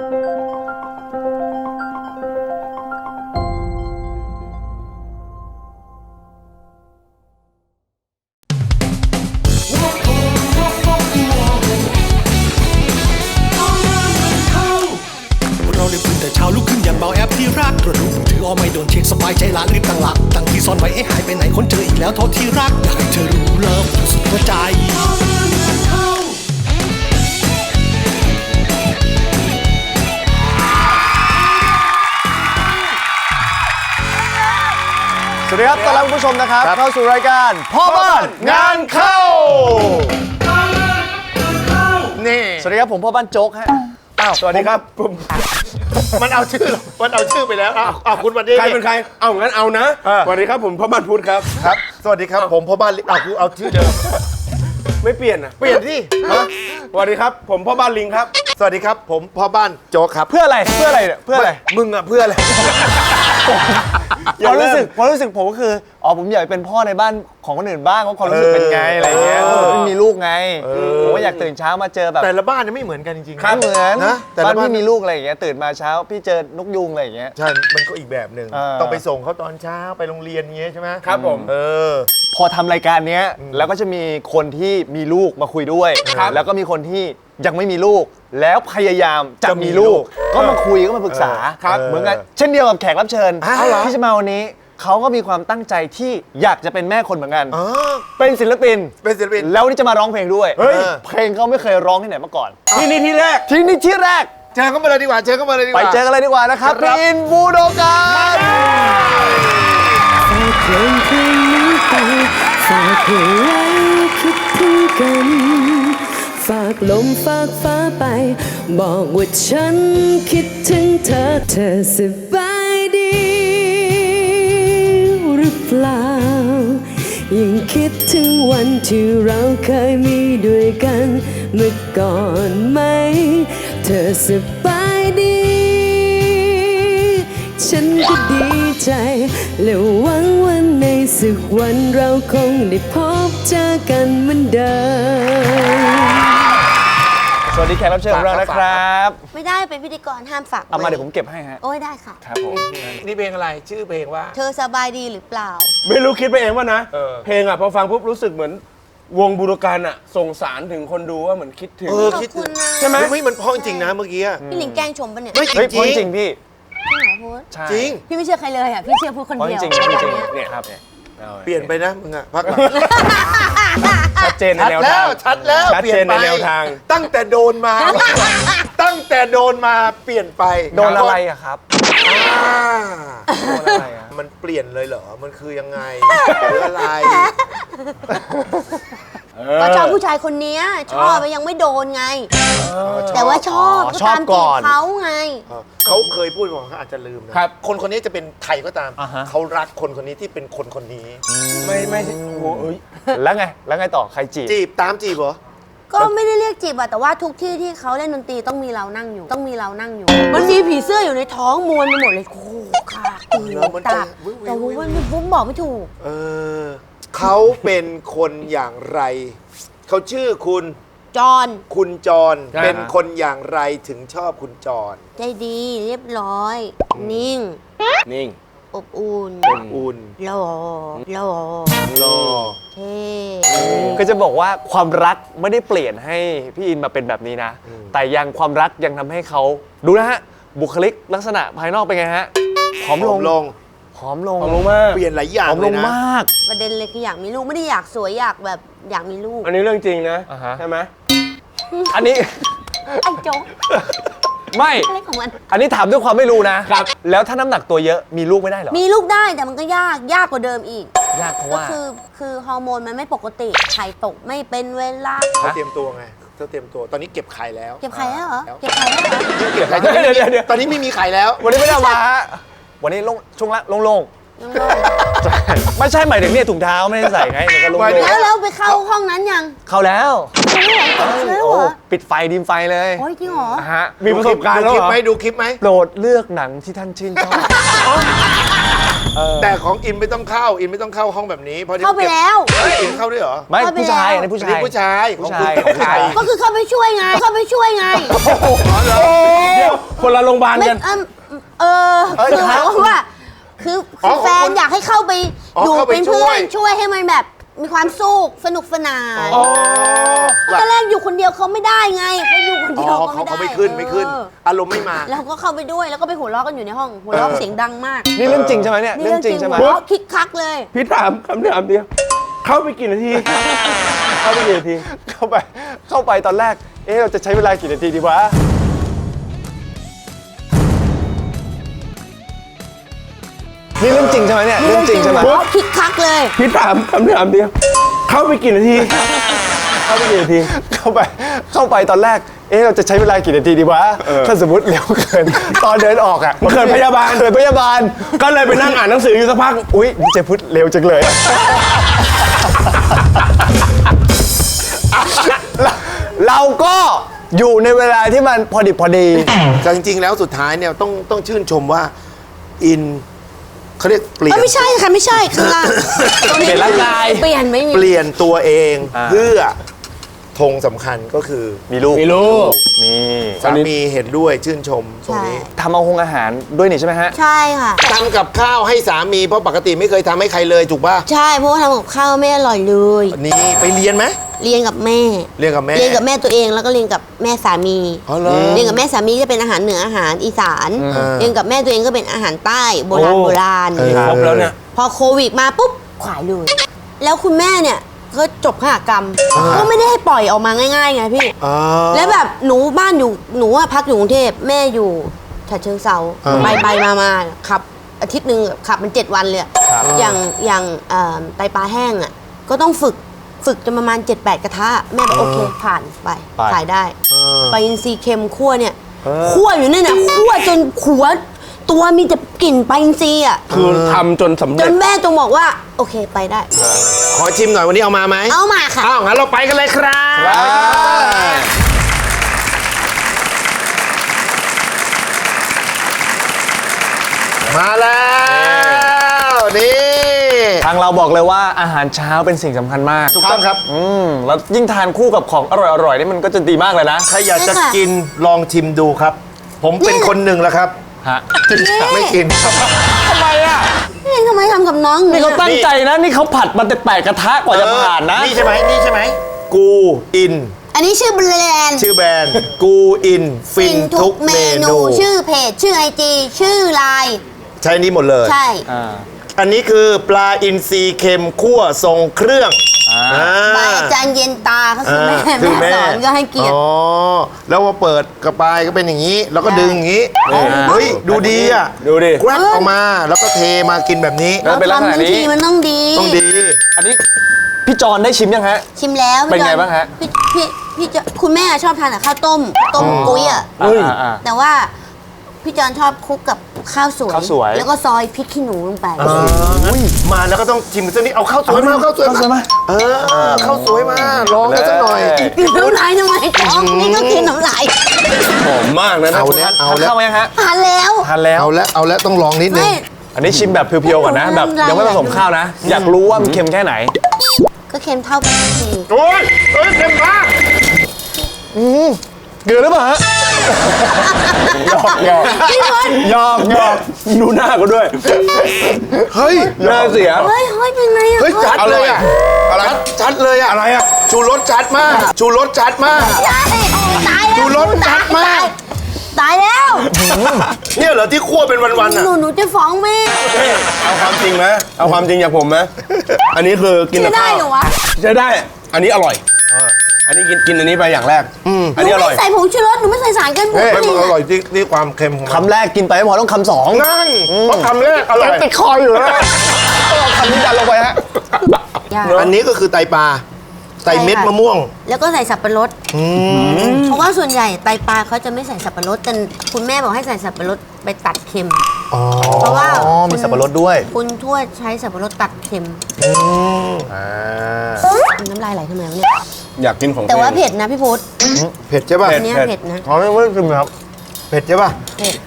ที่รักกระดูกมือถือไม่โดนเช็คสบายใจละรีบตั้งหลักตั้งที่ซ่อนไว้หายไปไหนคนเจออีกแล้วโทษที่รักอยากให้เธอรู้เลิฟสุดหัวใจสวัสดีครับต้อนรับคุณผู้ชมนะครับเข้าสู่รายการพ่อบ้านงานเข้านี่สวัสดีครับผมพ่อบ้านโจ๊กฮะสวัสดีครับผมมันเอาชื่อไปแล้วคุณวันนี้ใครเป็นใครงั้นเอานะสวัสดีครับผมพ่อบ้านพุทธครับสวัสดีครับผมพ่อบ้านกูเอาชื่อเดิมไม่เปลี่ยนเปลี่ยนที่สวัสดีครับผมพ่อบ้านลิงครับสวัสดีครับผมพ่อบ้านโจ๊กครับเพื่ออะไรเนี่ยเพื่ออะไรมึงเพื่ออะไรความรู้สึกผมก็คือผมอยากเป็นพ่อในบ้านของคนอื่นบ้างว่าความรู้สึกเป็นไงอะไรเงี้ยไม่มีลูกไงผมก็อยากตื่นเช้ามาเจอแบบแต่ละบ้านไม่เหมือนกันจริงๆไม่เหมือนนะบ้านพี่มีลูกอะไรอย่างเงี้ยตื่นมาเช้าพี่เจอนกยุงอะไรอย่างเงี้ยใช่มันก็อีกแบบหนึ่งต้องไปส่งเขาตอนเช้าไปโรงเรียนเงี้ยใช่ไหมครับผมพอทำรายการเนี้ยแล้วก็จะมีคนที่มีลูกมาคุยด้วยแล้วก็มีคนที่ยังไม่มีลูกแล้วพยายามจะมีลูกก็มาคุยก็มาปรึกษาเหมือนกันเช่นเดียวกับแขกรับเชิญที่จะมาวันนี้เขาก็มีความตั้งใจที่อยากจะเป็นแม่คนเหมือนกันเป็นศิลปินแล้ววันนี้จะมาร้องเพลงด้วยเพลงเขาไม่เคยร้องที่ไหนมาก่อนที่นี่ที่แรกเจอเขามาเลยดีกว่าไปเจอกันเลยดีกว่านะครับพี่อินบูโดกันเพลงเพลงนี้ไปฝากให้ไว้คิดถึงกันฝากลมฝากฟ้าไปบอกว่าฉันคิดถึงเธอสบายดีหรือเปล่ายังคิดถึงวันที่เราเคยมีด้วยกันเมื่อก่อนไหมเธอสบายดีฉันก็ดีใจและหวังว่าในสักวันเราคงได้พบเจอกันเหมือนเดิมสวัสดีแขกรับเชิญของเรานะครับไม่ได้เป็นพิธีกรห้ามฝากเอามาเดี๋ยวผมเก็บให้ฮะโอ้ยได้ค่ะครับผมนี่เพลงอะไรชื่อเพลงว่าเธอสบายดีหรือเปล่าไม่รู้คิดไปเองว่านะเพลงพอฟังปุ๊บรู้สึกเหมือนวงบูรการส่งสารถึงคนดูว่าเหมือนคิดถึงคิดถึงใช่ไหมไม่มันเพราะจริงนะเมื่อกี้พี่หลิงแกล้งชมปะเนี่ยไม่จริงพี่พูดจริงพี่ไม่เชื่อใครเลยพี่เชื่อพูดคนเดียวจริงเนี่ยครับเปลี่ยนไปนะมึงพักหลังชัดเจนในแนวทางชัดแล้วเปลี่ยนในแนวทางตั้งแต่โดนมาเปลี่ยนไปโดนอะไรครับโดนอะไรมันเปลี่ยนเลยเหรอมันคือยังไงหรืออะไรก็ชอบผู้ชายคนนี้ชอบยังไม่โดนไงแต่ว่าชอบตามจีบเขาไงเขาเคยพูดว่าเขาอาจจะลืมนะคนนี้จะเป็นใครก็ตามเขารักคนนี้ที่เป็นคนนี้ไม่โอ้ยแล้วไงต่อใครจีบตามจีบเหรอก็ไม่ได้เรียกจีบแต่ว่าทุกที่ที่เขาเล่นดนตรีต้องมีเรานั่งอยู่มันมีผีเสื้ออยู่ในท้องมวลไปหมดเลยโอ้ขาตีตาแต่ว่ามันบอกไม่ถูกเขาเป็นคนอย่างไรเขาชื่อคุณจอนเป็นคนอย่างไรถึงชอบคุณจอนใจดีเรียบร้อยนิ่งอบอุ่นหล่อเท่ก็จะบอกว่าความรักไม่ได้เปลี่ยนให้พี่อินมาเป็นแบบนี้นะแต่ความรักยังทำให้เขาดูนะฮะบุคลิกลักษณะภายนอกเป็นไงฮะผอมลงมากเปลี่ยนหลายอย่างเลยนะประเด็นเลยคืออยากมีลูกไม่ได้อยากสวยอยากแบบอยากมีลูกอันนี้เรื่องจริงนะใช่ไหมอันนี้ไอ้โจ๊กไม่อันนี้ถามด้วยความไม่รู้นะครับแล้วถ้าน้ำหนักตัวเยอะมีลูกไม่ได้หรอมีลูกได้แต่มันก็ยากกว่าเดิมอีกยากเพราะก็ว่าคือฮอร์โมนมันไม่ปกติไข่ตกไม่เป็นเวลาเขาเตรียมตัวไงเขาเตรียมตัวตอนนี้เก็บไข่แล้วเก็บไข่แล้วเหรอเตอนนี้ไม่มีไข่แล้ววันนี้ไม่ได้มาวันนี้ช่วงละโล่งไม่ใช่หมายถึงเนี่ยถุงเท้าไม่ได้ใส่ไงมันก็ลงแล้วไปเข้าห้องนั้นยังเข้าแล้วปิดไฟดิมไฟเลยโอ้ยจริงเหรอมีประสบการณ์แล้วเหรอดูคลิปไหมโปรดเลือกหนังที่ท่านชื่นชอบแต่ของอินไม่ต้องเข้าห้องแบบนี้เพราะเข้าไปแล้วอินเข้าด้วยเหรอไม่ผู้ชายอันนี้ผู้ชายก็คือเข้าไปช่วยไงเคนละโรงพยาบาลไม่กันคือหมายความว่าคือแฟนอยากให้เข้าไปอยู่เป็นเพื่อนช่วยให้มันแบบมีความสุขสนุกสนานตอนแรกอยู่คนเดียวเขาไม่ได้ไงเขาอยู่คนเดียวเขาไม่ได้เขาไม่ขึ้น อารมณ์ไม่มาแล้วก็เข้าไปด้วยแล้วก็ไปหัวเราะกันอยู่ในห้องหัวเราะเสียงดังมากนี่เรื่องจริงใช่ไหมเนี่ยนี่เรื่องจริงใช่ไหมหัวเราะคิกคักเลยพี่ถามคำถามเดียว เข้าไปกี่นาที เข้าไปกี่นาทีเข้าไปตอนแรกเราจะใช้เวลากี่นาทีดีวะนี่เรื่องจริงใช่ไหมเนี่ยเรื่องจริงใช่ไหมหัวเราะคิกคักเลยพี่ถามคำถามเดียว เข้าไปกี่นาที เข้าไปกี่นาทีเข้าไปตอนแรกเราจะใช้เวลากี่นาทีดีวะถ้าสมมติเร็วเกินตอนเดินออกอ่ะเกิดพยาบาลเกิดพยาบาลก็เลยไปนั่งอ่านหนังสืออยู่สักพักอุ๊ยนี่เจพุทธเร็วจังเลยเราก็อยู่ในเวลาที่มันพอดีแต่จริงๆแล้วสุดท้ายเนี่ยต้องชื่นชมว่าอินเขาเรียกเปลี่ยนไม่ใช่ค่ะไม่ใช่ข้างล่างเปลี่ยนร่างกายเปลี่ยนไม่มีเปลี่ยนตัวเองเพื่อธงสำคัญก็คือมีลูกมีลูกนี่สามีเห็นด้วยชื่นชมตรงใช่นี้ทำเอาอาหารด้วยนี่ใช่ไหมฮะใช่ค่ะทำกับข้าวให้สามีเพราะปกติไม่เคยทำให้ใครเลยถูกป่ะใช่เพราะว่าทำกับข้าวไม่อร่อยเลยนี่ไปเรียนไหมเรียนกับแม่เรียนกับแม่เรียนกับแม่ตัวเองแล้วก็เรียนกับแม่สามีอ๋อเหรอเรียนกับแม่สามีก็เป็นอาหารเหนืออาหารอีสาน เรียนกับแม่ตัวเองก็เป็นอาหารใต้โบราณโอ้โบราณครบแล้วเนี่ยพอโควิดมาปุ๊บขายเลย แล้วคุณแม่เนี่ยก็จบขหกรรม ก็ไม่ได้ให้ปล่อยออกมาง่ายๆไงพี่อ๋อแล้วแบบหนูบ้านอยู่หนูอะพักอยู่กรุงเทพแม่อยู่ฉะเชิงเซาไปมาขับอาทิตย์หนึ่งขับมัน7 วันเลยอะอย่างไตปลาแห้งอ่ะก็ต้องฝึกจนประมาณ 7-8 กระทะแม่บอกโอเคผ่านไปขายได้ปลาอินทรีเค็มคั่วเนี่ยคั่วอยู่นั่นน่ะคั่วจนขัวตัวมีแต่กลิ่นปลาอินทรีอ่ะคือทำจนสำจเร็จนแม่จงบอกว่าโอเคไปได้ขอชิมหน่อยวันนี้เอามาไหมเอามาค่ะอ้าวงั้นเราไปกันเลยครับมาแล้วนี่ทางเราบอกเลยว่าอาหารเช้าเป็นสิ่งสำคัญมากถูกต้องครับแล้วยิ่งทานคู่กับของอร่อยๆนี่มันก็จะดีมากเลยนะใครอยากจะใช่ค่ะกินลองชิมดูครับ ผมเป็นคนหนึ่งแล้วครับฮะไม่กินทำไมอ่ะนี่ทำไมทำกับน้องนี่เขาตั้งใจนะ นี่เขาผัดมันแต่8 กระทะกว่าจะผ่านนะนี่ใช่ไหมนี่ใช่ไหมกูอินอันนี้ชื่อแบรนด์ชื่อแบรนด์กูอินฟินทุกเมนูชื่อเพจชื่อไอจีชื่อไลน์ใช้นี้หมดเลยใช่อันนี้คือปลาอินทรีเค็มคั่วทรงเครื่องบายอาจารย์เย็นตาเขาคือแม่คือแม่สอนก็ให้เกียรติอ๋อแล้วพอเปิดกระปายก็เป็นอย่างนี้ แล้วก็ดึงอย่างนี้เฮ้ยดูดีอ่ะดูดิแกรบออกมาแล้วก็เทมากินแบบนี้แล้วเป็นลักษณะทำทั้งนี้ทีมันต้องดีต้องดีอันนี้พี่จอนได้ชิมยังฮะชิมแล้วเป็นไงบ้างฮะพี่จะคุณแม่ชอบทานกับข้าวต้มกุ้ยอ่ะอ่าแต่ว่าพี่จอนชอบคลุกกับข้าวสวยข้าวสวยแล้วก็ซอยพริกขี้หนูลงไปมาแล้วก็ต้องชิมสักนิดเอาข้าวสวยมาเอาข้าวสวยมาข้าวสวยมาลองกันสักหน่อยกินน้ำลายทำไมท้องนี่ก็กินน้ำลายหอมมากนะเอาแล้วเอาทานแล้วข้าวมายังฮะทานแล้วทานแล้วเอาแล้วต้องลองนิดนึงไม่อันนี้ชิมแบบเพียวๆก่อนนะ แบบยังไม่ผสมข้าวนะ อยากรู้ว่ามันเค็มแค่ไหนก็เค็มเท่ากันทีโอ้ยเค็มมากเกลือหรือเปล่าฮะพี่พลหยอกดูหน้าก็ด้วยเฮ้ยหน้าเสียเฮ้ยเป็นไงอ่ะเฮ้ยจัดเลยอ่ะชัดเลยอ่ะอะไรอ่ะชูรสจัดมากชูรสจัดมากใช่ตายแล้วดูรสจัดมากตายแล้วเนี่ยเหรอที่คั่วเป็นวันๆอ่ะหนูจะฟ้องแม่เอาความจริงไหมเอาความจริงจากผมไหมอันนี้คือกินจะกับได้ข้าวเหรอวะใช้ได้ อันนี้อร่อย อันนี้กินอันนี้ไปอย่างแรก อันนี้อร่อยหไม่ใส่ผงชูรสหนูไม่ใส่สารกันบูดมันอร่อยที่ความเค็มของมันคำแรกกินไปไม่พอต้องคำสองนั่นเพราะคำแรกอร่อยติดคออยู่แล้วคำนี้ดันลงไปฮะอันนี้ก็คือไตปลาไตเม็ดมะม่วงแล้วก็ใส่สับปะรดเพราะว่าส่วนใหญ่ไตปลาเขาจะไม่ใส่สับปะรดแต่คุณแม่บอกให้ใส่สับปะรดไปตัดเค็ม เพราะว่ามีสับปะรดด้วยคุณทวดใช้สับปะรดตัดเค็มน้ำลายไหลทำไมวะเนี่ยอยากกินของแต่ว่าตัวองเผ็ดนะพี่พุธเผ็ดใช่ป่ะอันเนี้ยเผ็ดนะอ๋อไม่ชิมครับเผ็ดใช่ป่ะเผ็ด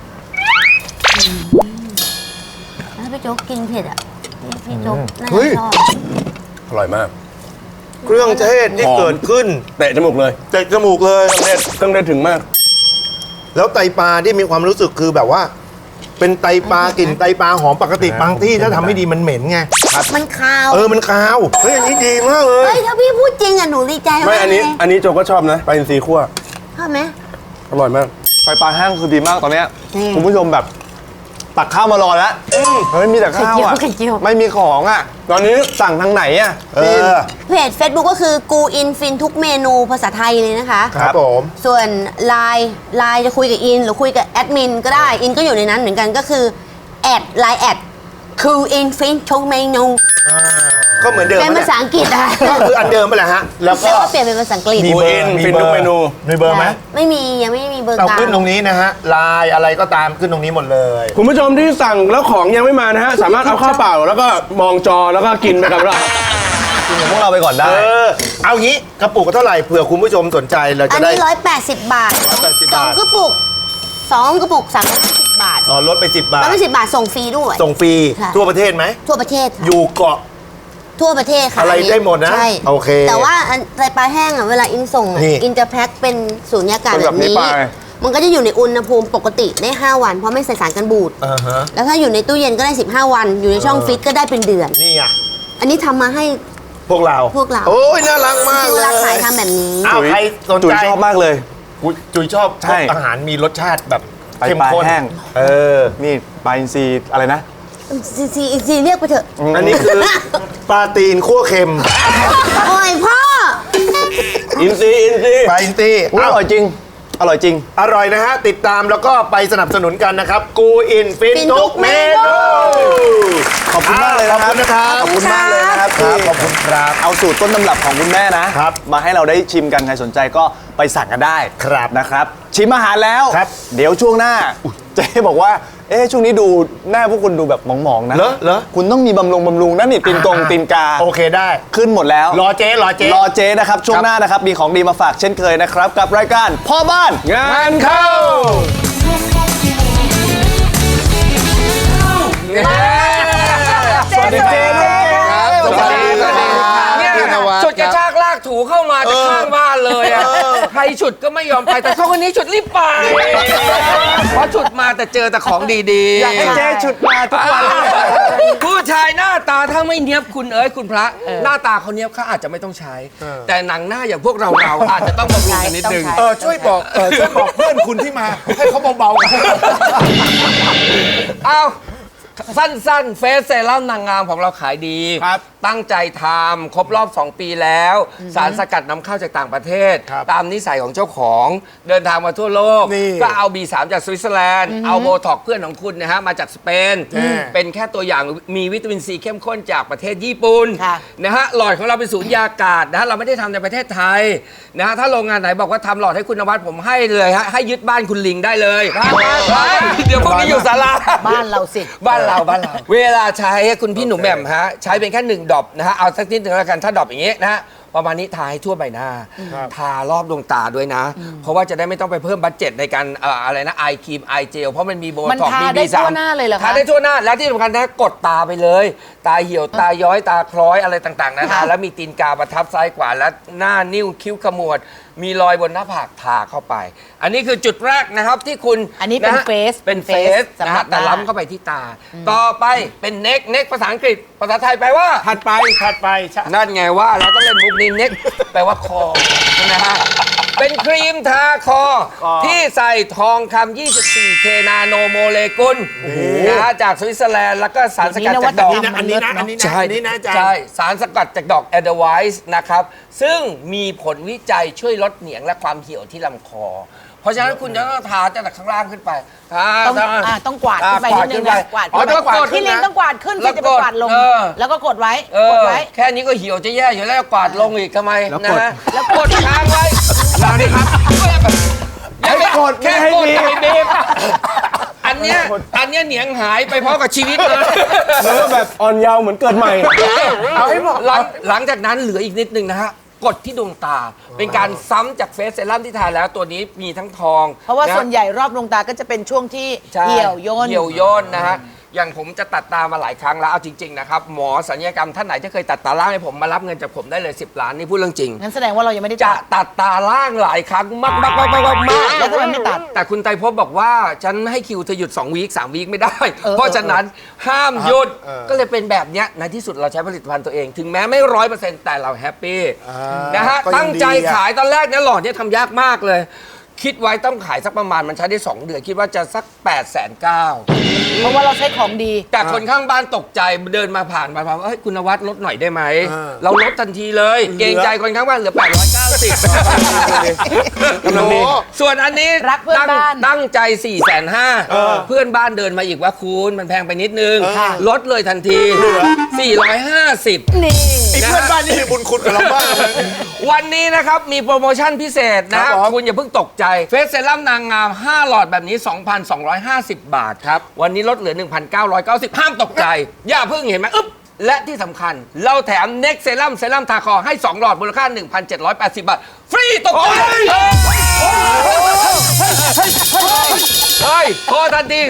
ถ้าพี่โจ๊กกินเผ็ดอ่ะพี่โจ๊กน่าจะชอบอร่อยมากเครื่องเทศที่หอมเกิดขึ้นเตะจมูกเลยเตะจมูกเลยเครื่องเทศถึงมากแล้วไตปลาที่มีความรู้สึกคือแบบว่า เป็นไตปลากลิ่นไตปลาหอมปกติบางที่ถ้าทำไม่ดีมันเหม็นไงมันคาวมันคาวเฮ้ยอันนี้ดีมากเลยเฮ้ยถ้าพี่พูดจริงอ่ะหนูดีใจมากไม่อันนี้เลยอันนี้โจก็ชอบนะปลาอินทรีคั่วชอบไหมอร่อยมากไฟปลาแห้งคือดีมากตอนเนี้ยนี่คุณผู้ชมแบบตักข้าวมารอแล้วเฮ้ยมีแต่ข้าวอ่ะไข่เจียวไม่มีของอ่ะตอนนี้สั่งทางไหนอ่ะเพจ Facebook ก็คือกูอินฟินทุกเมนูภาษาไทยเลยนะคะครับผมส่วนไลน์จะคุยกับอินหรือคุยกับแอดมินก็ได้ อินก็อยู่ในนั้นเหมือนกันก็คือไลน์แอดกูอินฟินทุกเมนูก็เหมือนเดิมเป็นภาษาอังกฤษอะก็คืออันเดิมไปแหละฮะแล้วก็แล้วก็เปลี่ยนเป็นภาษาอังกฤษมี เบอร์ฟินทุกเมนูมีเบอร์ไหมไม่มียังไม่มีเบอร์เรากลางขึ้นตรงนี้นะฮะไลน์อะไรก็ตามขึ้นตรงนี้หมดเลยคุณผู้ชมที่สั่งแล้วของยังไม่มานะฮะ สามารถเอาข้าวเปล่าแล้วก็มองจอแล้วก็กินไปกับเรากินกับพวกเราไปก่อนได้เอางี้กระปุกเท่าไหร่เผื่อคุณผู้ชมสนใจเราอัจะนได้นี้180 บาท 180 สองบาทกระปุก350 บาทอ๋อลดไป10 บาท 110 บาทส่งฟรีด้วยส่งฟรีค่ะทั่วประเทศไหมทั่วประเทศค่ะอยู่เกาะทั่วประเทศค่ะอะไรได้หมดนะใช่โอเคแต่ว่าอันไตปลาแห้งอ่ะเวลาอินส่งอ่ะนี่อินจะแพ็คเป็นสูญญากาศเป็นแบแบบบนี้นี้ไปมันก็จะอยู่ในอุณหภูมิปกติได้ 5 วัน เพราะไม่ใส่สารกันบูดอ่าฮะแล้วถ้าอยู่ในตู้เย็นก็ได้ 15 วัน อยู่ในช่องฟรีซก็ได้เป็นเดือนนี่อ่ะอันนี้ทำมาให้พวกเราพวกเราโอ้ยน่ารักมากคือเลเวย ลาขายทำแบบนี้อ้าวใครสนจุ๋ยใจชอบมากเลยจุ๋ยชอบใช่อาหารมีรสชาติแบบไตเข้มปลาข้นแห้งนี่ปลาอินทรีอะไรนะซีเรียกไปเถอะอันนี้คือปลาตีนคั่วเค็มโอ้ยพ่ออินทรีปลาอินตี้อุ๊ยอร่อยจริง อร่อยจริงอร่อยนะฮะ ติดตามแล้วก็ไปสนับสนุนกันนะครับ กูอินฟินฟินทุทุกกเมเมนูนูขอบคุณมากเลยนะครับขอบคุณนะครับขอบคุณมากเลยนะครับครับขอบคุณครับเอาสูตรต้นตำรับของคุณแม่นะครับ มาให้เราได้ชิมกันใครสนใจก็ไปสั่งกันได้ครับนะครับ ชิมอาหารแล้วครับเดี๋ยวช่วงหน้าเจ๊บอกว่าช่วงนี้ดูหน้าพวกคุณดูแบบหมองๆนะเหรอคุณต้องมีบำรุงนั่นนี่ตีนกาโอเคได้ขึ้นหมดแล้วรอเจ๊รอเจ๊นะครับ ช่วงหน้านะครับ มีของดีมาฝากเช่นเคยนะครับ กับรายการพ่อบ้านงานเข้าสวัสดีเจ๊สวัสดีครับเนี่ยพี่นวัดฉุดกระชากลากถูเข้ามาจากข้างบ้านเลยอ่ะใครฉุดก็ไม่ยอมไปแต่เขาคนนี้ฉุดรีบไปเพราะฉุดมาแต่เจอแต่ของดีๆอยากให้เจ๊ชุดมาทุกวันผู้ชายหน้าตาถ้าไม่เนี้ยบคุณคุณพระ หน้าตาเขาเนี้ยบเขาอาจจะไม่ต้องใช้ แต่หนังหน้าอย่างพวกเราอาจจะต้องบำรุงกันนิดนึงช่วยบอกเพื่อนคุณที่มา ให้เขาเบาๆกันเอาสั้นๆ เฟสเซรั่มนางงามของเราขายดีครับตั้งใจทำครบรอบ 2 ปีแล้ว สารสกัดนำเข้าจากต่างประเทศครับตามนิสัยของเจ้าของเดินทางมาทั่วโลกนี่ก็เอา B3 จากสวิตเซอร์แลนด์ เอาโบท็อกเพื่อนของคุณนะฮะมาจากสเปน เป็นแค่ตัวอย่างมีวิตามินซีเข้มข้นจากประเทศญี่ปุ่นค่ะนะฮะหลอดของเราเป็นศูนย์ยากาศนะฮะเราไม่ได้ทำในประเทศไทยนะฮะถ้าโรงงานไหนบอกว่าทำหลอดให้คุณนวัดผมให้เลยฮะให้ยึดบ้านคุณลิงได้เลยเดี๋ยวพวกนี้อยู่ศาลาบ้านเราสิบ้านเรา เวลาใช้คุณพี่หนุ่มแหม่มฮะใช้เป็นแค่1ดรอปนะฮะเอาสักนิดหนึ่งแล้วกันถ้าดรอปอย่างงี้นะฮะประมาณนี้ทาให้ทั่วใบหน้า ทารอบดวงตาด้วยนะ เพราะว่าจะได้ไม่ต้องไปเพิ่มบัตเจ็ตในการอะไรนะไอครีมไอเจลเพราะมันมีโบมันท็อกทามีได้ B3 ทั่วหน้าเลยเหรอคะทาได้ทั่วหน้าแล้วที่สำคัญนะกดตาไปเลย ตาเหี่ยวตาย้อยตาคล้อยอะไรต่างๆนานาแล้วมีตีนกาประทับซ้ายขวาและหน้านิ้วคิ้วขมวด มีรอยบนหน้าผากทาเข้าไป อันนี้คือจุดแรกนะครับที่คุณอันนี้เป็นะฮะ face เป็นเฟสสำนะหรัฮะบแต่หน้าล้ำเข้าไปที่ตา ต่อไปเป็นเน็กภาษาอังกฤษภาษาไทยแปลว่าถัดไปใช่นั่นไงว่าเราต้องเล่นมุกนี้เน็กแปลว่าคอนะฮะเป็นครีมทาคอ ที่ใส่ทองคำ 24K นาโนโมเลกุลนะฮะจากสวิตเซอร์แลนด์แล้วก็สารสกัดจากดอกอันนี้นะอาจารย์ใช่สารสกัดจากดอกแอดไวส์นะครับ ซึ่งมีผลวิจัยช่วยลดเหนียงและความเหี่ยวที่ลำคอ เพราะฉะนั้นคุณจะต้องทาจากข้างล่างขึ้นไปทาต้องกวาดขึ้นไปนิดนึงนะกวาดอ๋อขึ้นต้องไปกดที่ลิงต้องกวาดขึ้นแล้สิวจะไปกวาดลงเออแล้วก็กดไว้ กดไว้แค่นี้ก็เหี่ยวจะแย่อยู่แล้วกวาดลงอีกทำไมนะฮะแล้วกดค้างไว้หลังนี้ครับยังไม่กดแค่กดให้บีบอันเนี้ยเหนียงหายไปพร้อมกับชีวิตเลยแล้วก็แบบอ่อนเยาว์เหมือนเกิดใหม่เอาให้บอกหลังจากนั้นเหลืออีกนิดนึงนะฮะกดที่ดวงตา เป็นการซ้ำจากเฟสเซรั่มที่ทาแล้วตัวนี้มีทั้งทองเพราะว่าะส่วนใหญ่รอบดวงตาก็จะเป็นช่วงที่ใช่เหี่ยวย่นเหี่ยวย่นนะฮะอย่างผมจะตัดตามาหลายครั้งแล้วเอาจริงๆนะครับหมอศัลยกรรมท่านไหนที่เคยตัดตาล่างให้ผมมารับเงินจากผมได้เลย10 ล้านนี่พูดเรื่องจริงงั้นแสดงว่าเรายังไม่ได้จะตัดตาล่างหลายครั้งมากๆๆๆๆแล้วทำไมไม่ตัดแต่คุณไตรภพบอกว่าฉันให้คิวเธอหยุด2 วีค 3 วีคไม่ได้ เพราะฉะนั้นห้ามหยุดก็เลยเป็นแบบเนี้ยในที่สุดเราใช้ผลิตภัณฑ์ตัวเอง ถึงแม้ไม่100%แต่เราแฮปปี้นะฮะก็ยังตั้งใจดีอะขายตอนแรกเนี่ยหลอดเนี่ยทำยากมากเลย คิดไว้ต้องขายสักประมาณมันใช้ได้ 2 เดือน คิดว่าจะสัก 8,900,000 เพราะว่าเราใช้ของดีแต่คนข้างบ้านตกใจเดินมาผ่านมาว่าเฮ้ยคุณนวัดลดหน่อยได้ไหม เราลดทันทีเลย เกรงใจคนข้างบ้านเหลือ 890 โอ้โหส่วนอันนี้รักเพื่อนบ้านตั้งใจ 450,000เพื่อนบ้านเดินมาอีกว่าคุณมันแพงไปนิดนึง ลดเลยทันที 450 นี่ไอ้เพื่อนบ้านนี่มีบุญคุณกับเราบ้างเลยวันนี้นะครับ มีโปรโมชั่นพิเศษนะครับผมคุณอย่าเพิ่งตกใจเฟสเซรั่มนางงาม 5 หลอดแบบนี้ 2,250 บาทครับ วันนี้ลดเหลือ 1,990 ห้ามตกใจ อย่าเพิ่งเห็นไหมอึ๊บ และที่สำคัญเราแถมเน็กเซรั่มทาคอให้ 2 หลอดมูลค่า 1,780 บาท ฟรีตกใจเฮ้ยโทรทันที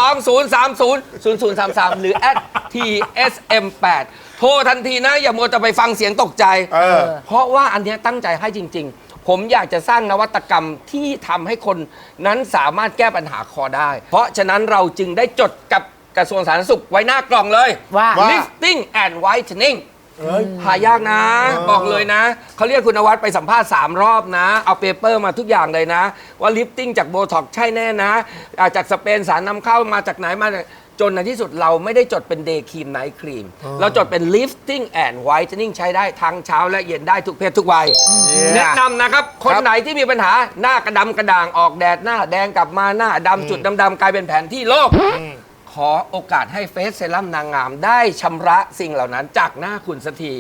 020300033 หรือ @tsm8 โทรทันทีนะ อย่ามัวแต่ไปฟังเสียงตกใจ เพราะว่าอันเนี้ยตั้งใจให้จริง ๆ ผมอยากจะสร้างนวัตกรรมที่ทำให้คนนั้นสามารถแก้ปัญหาคอได้ เพราะฉะนั้นเราจึงได้จดกับกระทรวงสาธารณสุขไว้หน้ากล่องเลยว่า lifting and whitening หายากนะ บอกเลยนะ เขาเรียกคุณนวัดไปสัมภาษณ์3 รอบนะ เอาเปเปอร์มาทุกอย่างเลยนะ ว่าลิฟติ้งจากโบท็อกใช่แน่นะจากสเปนสารนำเข้ามาจากไหนมาจนในที่สุดเราไม่ได้จดเป็นเดย์ครีมไนท์ครีมเราจดเป็น lifting and whitening ใช้ได้ทั้งเช้าและเย็นได้ทุกเพศทุกวัย แนะนำนะครับ คนไหนที่มีปัญหาหน้ากระดำกระด่างออกแดดหน้าแดงกลับมาหน้าดำจุดดำๆกลายเป็นแผนที่โลก ขอโอกาสให้เฟสเซรั่มนางงามได้ชำระสิ่งเหล่านั้นจากหน้าคุณสักที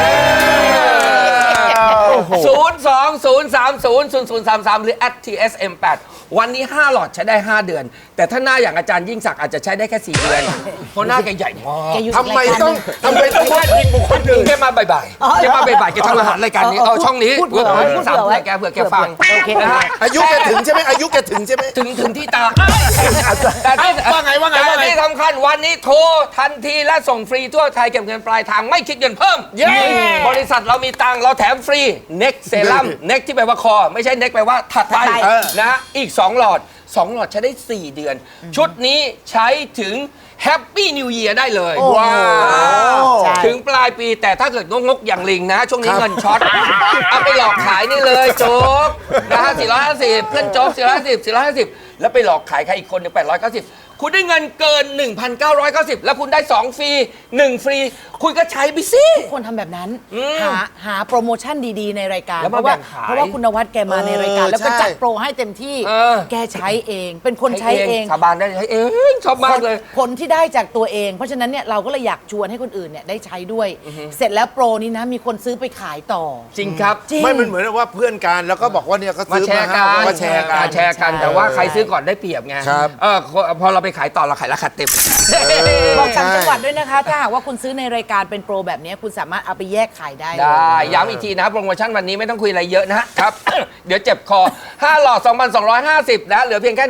020300033 หรือ @tsm8 วันนี้ 5 หลอดใช้ได้ 5 เดือน แต่ถ้าหน้าอย่างอาจารย์ยิ่งศักดิ์อาจจะใช้ได้แค่ 4 เดือน เพราะหน้าแกใหญ่มากแกอยู่ทำไมต้องพาดพิงบุคคลอื่นแกมาบ่ายๆแกมาบ่ายๆแกทำอาหารรายการนี้เอาช่องนี้พูดเผื่อไว้พูดสามเผื่อไว้เผื่อแกฟังโอเคนะฮะอายุแกถึงใช่ไหมอายุแกถึงใช่ไหมถึงที่ตาแต่ที่ว่าไงแต่ที่สำคัญวันนี้โทรทันทีและส่งฟรีทั่วไทยเก็บเงินปลายทางไม่คิดเงินเพิ่ม บริษัทเรามีตังค์เราแถมฟรีเน็กเซรั่มเน็กที่แปลว่าคอ ไม่ใช่เน็กแปลว่าถัดไปนะอีก 2 หลอด 2 หลอดใช้ได้ 4 เดือน ชุดนี้ใช้ถึงแฮปปี้นิว e ย r ได้เลยว้าวถึงปลายปีแต่ถ้าเกิดงกๆอย่างลิงนะ ช่วงนี้เงินช็อต เอาไปหลอกขายนี่เลยโจ๊กนะฮะ450 เพื่อนโจ๊ก450 แล้วไปหลอกขายใครอีกคนหนึ่ง890 คุณได้เงินเกิน 1,990 แล้วคุณได้ 2 ฟรี 1 ฟรี คุณก็ใช้ไปสิทุกคนทำแบบนั้น หาโปรโมชั่นดีๆในรายการแล้วเพมาราะว่าแบ่งขายเพราะว่าคุณนวัดแกมาในรายการ แล้วก็ใช่จัดโปรให้เต็มที่ แกใช้เอง เป็นคนใช้เองสาบานได้ใช้เองชอบมากเลยผลที่ได้จากตัวเอง เพราะฉะนั้นเนี่ยเราก็เลยอยากชวนให้คนอื่นเนี่ยได้ใช้ด้วย เสร็จแล้วโปรนี้นะมีคนซื้อไปขายต่อจริงครับจริงไม่มันเหมือนว่าเพื่อนกันแล้วก็บอกว่าเนี่ยก็มาซื้อแชมาร์กันมาแชร์กันแชร์กันแต่ว่าใครซื้อก่อนได้เปรียบไงครับพอเราไปขายต่อเราขายราคาเต็มบอกต่างจังหวัดด้วยนะคะ ถ้าหากว่าคุณซื้อในรายการเป็นโปรแบบนี้คุณสามารถเอาไปแยกขายได้เลยได้ย้ำอีกทีนะโปรโมชั่นวันนี้ไม่ต้องคุยอะไรเยอะนะครับ เดี๋ยวเจ็บคอ 5 หลอด 2,250 นะเหลือเพียงแค่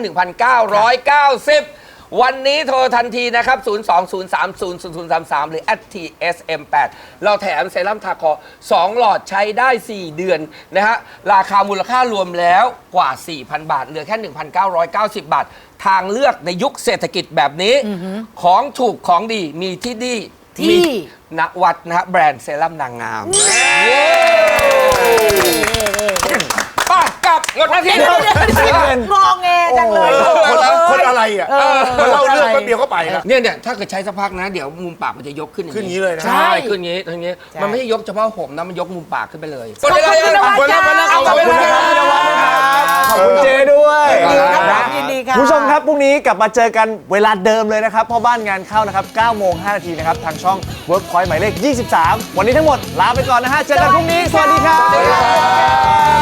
1,990 วันนี้โทรทันทีนะครับ 020300033 หรือ @tsm8 เราแถมเซรั่มทาคอ 2 หลอดใช้ได้ 4 เดือนนะฮะราคามูลค่ารวมแล้วกว่า 4,000 บาท เหลือแค่ 1,990 บาท ทางเลือกในยุคเศรษฐกิจแบบนี้ ของถูกของดีมีที่ดีที่มีนวัดนะฮะแบรนด์เซรั่มนางงามไป้ากลับงดหน้าที่งอแงจังเลยคนอะไรอ่ะมาเล่าเรื่องแป๊บเดียวก็ไปแล้วเนี่ยถ้าเกิดใช้สักพักนะ เดี๋ยวมุมปากมันจะยกขึ้นขึ้นอย่างนี้เลยนะใช่ขึ้นอย่างนี้อย่างนี้ มันไม่ใช่ยกเฉพาะผมนะมันยกมุมปากขึ้นไปเลยขอบคุณคุณนวัดจ้าขอบคุณครับขอบคุณเจด้วยยินดีค่ะคุณผู้ชมครับพรุ่งนี้กลับมาเจอกันเวลาเดิมเลยนะครับพ่อบ้านงานเข้านะครับ9:05 นนะครับ ทางช่อง Workpoint หมายเลข 23 วันนี้ทั้งหมดลาไปก่อนนะฮะ เจอกันพรุ่งนี้ สวัสดีครับ